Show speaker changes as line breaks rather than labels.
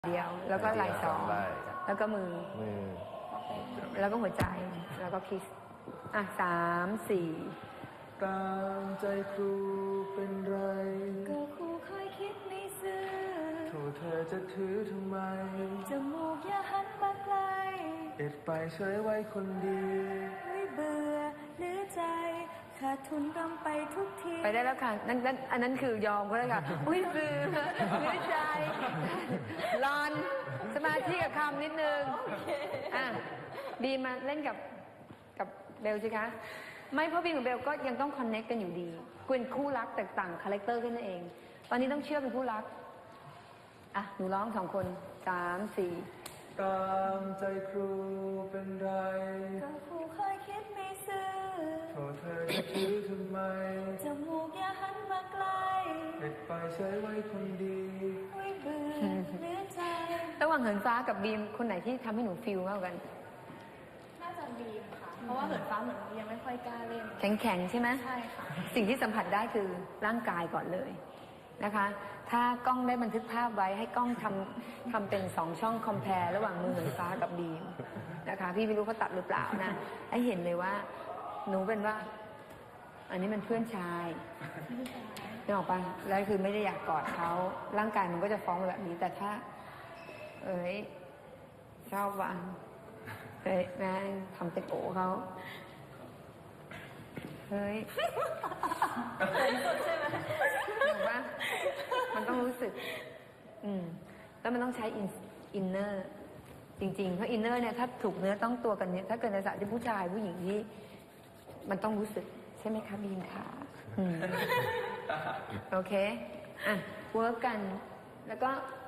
เดียวแล้วก็ไหล่สองแล้วก็มือแล้วก็หัวใจแล้วก็คิส3 4
ตามใจครูเป็นไร
ก็ครูเคยคิดไม่ซื่อ
โทษเธอจะถือทำไม
จมูกอย่าหันมาไกล
เอ็ดไปเฉยไว้คนดี
ไม่เบื่อหรือใจขาดทุนรำไปทุกที
ไปได้แล้วค่ะอันนั้นคือยอมก็ได้ค่ะอุ้ยเบื่อหรือใจรอนสมาธิกับคำนิดนึงบีมาเล่นกับเบลสิคะไม่เพราะบีกับเบลก็ยังต้องคอนเนคกันอยู่ดีเป็นคู่รักแตกต่างคาแรคเตอร์กันนั่นเองตอนนี้ต้องเชื่อเป็นคู่รักหนูร้อง2 คน3 4
ตามใจครูเป็นไร
ก็ครูเคยคิดไม่ซื่อ
โทษเธอจะถือทำไม
จมูกอย่าหันมาไกล
เอ็ดไปเฉยไว้คนดี
ไม่เบื่อหรือใจ
ระหว่างเหินฟ้ากับบีมคนไหนที่ทำให้หนูฟีลมากกว่ากัน
น่าจะบีมค่ะเพราะว่าเหินฟ้าเหมือนยังไม่ค่อยกล้าเล่น
แข็งใช่ไหม
ใช่ค่ะ
สิ่งที่สัมผัสได้คือร่างกายก่อนเลยนะคะถ้ากล้องได้บันทึกภาพไว้ให้กล้องทำเป็น2 ช่องคอมแพร์ระหว่างมือเหินฟ้ากับบีมนะคะพี่ไม่รู้เขาตัดหรือเปล่านะให้เห็นเลยว่าหนูเป็นว่าอันนี้มันเพื่อนชายนึกออกปะแล้วคือไม่ได้อยากกอดเขาร่างกายมันก็จะฟ้องแบบนี้แต่ถ้าชอบว่ะแม่ทำเป็นโอเขาเฮ้ย
ใช่ไหม
เห็นปะมันต้องรู้สึกแล้วมันต้องใช้อินเนอร์จริงๆเพราะอินเนอร์เนี่ยถ้าถูกเนื้อต้องตัวกันเนี่ยถ้าเกิดในสระที่ผู้ชายผู้หญิงที่มันต้องรู้สึกใช่ไหมคะบีมขาโอเคเวิร์กกันแล้วก็